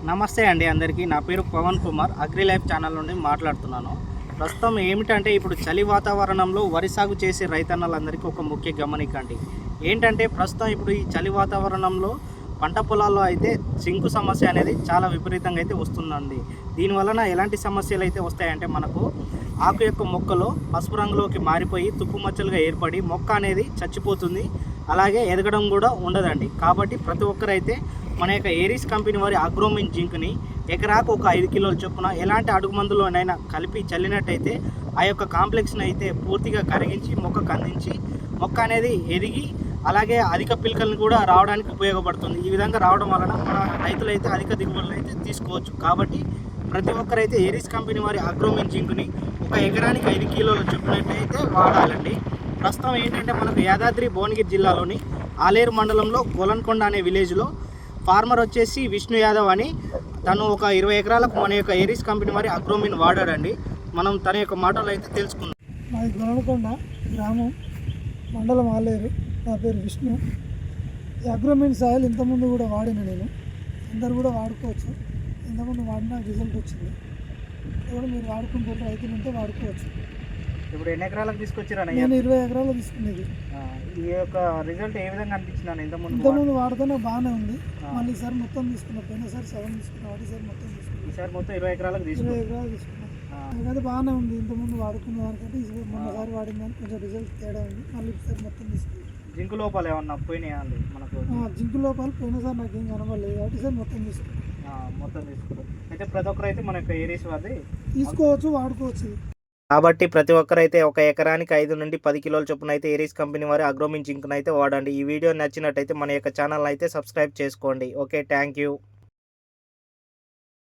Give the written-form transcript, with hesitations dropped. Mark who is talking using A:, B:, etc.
A: నమస్తే అండి అందరికీ. నా పేరు Pavan Kumar, agri life channel నుండి మాట్లాడుతున్నాను. ప్రస్తుతం ఏమిటంటే ఇప్పుడు చలి వాతావరణంలో వరి సాగు చేసే రైతన్నలందరికీ ఒక ముఖ్య గమనిక అండి. ఏంటంటే ప్రస్తుతం ఇప్పుడు ఈ చలి వాతావరణంలో పంట పొలాల్లో అయితే జింకు సమస్య అనేది చాలా విపరీతంగా అయితే వస్తుందండి. దీనివలన ఎలాంటి సమస్యలు అయితే వస్తాయంటే మనకు ఆకు యొక్క మొక్కలో పసుపు రంగులోకి మారిపోయి తుప్పు మచ్చలుగా ఏర్పడి మొక్క అనేది చచ్చిపోతుంది. అలాగే ఎదగడం కూడా ఉండదండి. కాబట్టి ప్రతి ఒక్కరైతే మన యొక్క ఏరీస్ కంపెనీ వారి అగ్రోమిన్ జింక్ని ఎకరాకు ఒక 5 కిలోల చొప్పున ఎలాంటి అడుగు మందులోనైనా కలిపి చల్లినట్టయితే ఆ యొక్క కాంప్లెక్స్ని అయితే పూర్తిగా కరిగించి మొక్కకు అందించి మొక్క అనేది ఎదిగి అలాగే అధిక పిలకలను కూడా రావడానికి ఉపయోగపడుతుంది. ఈ విధంగా రావడం వలన మన రైతులైతే అధిక దిగుబడులు అయితే తీసుకోవచ్చు. కాబట్టి ప్రతి ఒక్కరైతే ఏరీస్ కంపెనీ వారి అగ్రోమిన్ జింక్ని ఒక ఎకరానికి 5 కిలోల చొప్పునైతే వాడాలండి. ప్రస్తుతం ఏంటంటే మనకు యాదాద్రి భువనగిరి జిల్లాలోని ఆలేరు మండలంలో గోలన్కొండ అనే విలేజ్లో ఫార్మర్ వచ్చేసి విష్ణు యాదవ్ అని తను ఒక 20 ఎకరాలకు మన యొక్క ఏరీస్ కంపెనీ వారి అగ్రోమిన్ వాడాడండి. మనం తన యొక్క మాటలు అయితే తెలుసుకుందాం.
B: మాది గోలన్కొండ గ్రామం, మండలం ఆలేరు. నా పేరు విష్ణు. ఈ అగ్రోమిన్ సాయిల్ ఇంతకుముందు కూడా వాడిన నేను, అందరు కూడా వాడుకోవచ్చు. ఇంతకుముందు వాడిన రిజల్ట్ వచ్చింది. కూడా మీరు వాడుకుంటారు, రైతులు ఉంటే వాడుకోవచ్చు.
A: ఇప్పుడు ఎన్ని ఎకరాలకు తీసుకొచ్చారా?
B: నేను 20 ఎకరాలు తీసుకునేది.
A: ఈ యొక్క రిజల్ట్ ఏ విధంగా అనిపించింది?
B: ఇంతకుముందు వాడితేనే బాగానే ఉంది. మళ్ళీ ఈసారి మొత్తం తీసుకున్నా. పోయినసారి సగం తీసుకున్నా, ఒకటిసారి మొత్తం తీసుకున్నా.
A: ఈసారి మొత్తం 20 ఎకరాలకు
B: 20 ఎకరాలు తీసుకున్నా. నాకైతే బాగానే ఉంది. ఇంతకుముందు వాడుకున్న దానికంటే ఈసారి మొన్నసారి వాడిన దానికి కొంచెం రిజల్ట్ తేడా ఉంది. మళ్ళీ ఈసారి మొత్తం తీసుకున్నాను.
A: జింకు లోపాలు ఏమన్నా పోయినాయా అండి మనకు?
B: జింకు లోపాలు పోయినసారి నాకు ఏం కనబడలేదు, కాబట్టి ఈసారి మొత్తం తీసుకున్నాను.
A: మొత్తం తీసుకున్నాం. అయితే ప్రతి ఒక్కరైతే మన యొక్క ఏరీస్ వారి
B: తీసుకోవచ్చు, వాడుకోవచ్చు.
A: కాబట్టి ప్రతి ఒక్కరైతే ఒక ఎకరానికి 5 నుండి 10 కిలోల చొప్పున అయితే ఏరీస్ కంపెనీ వారి అగ్రోమిన్ జింక్ను అయితే వాడండి. ఈ వీడియో నచ్చినట్టయితే మన యొక్క ఛానల్ అయితే సబ్స్క్రైబ్ చేసుకోండి. Okay, thank you.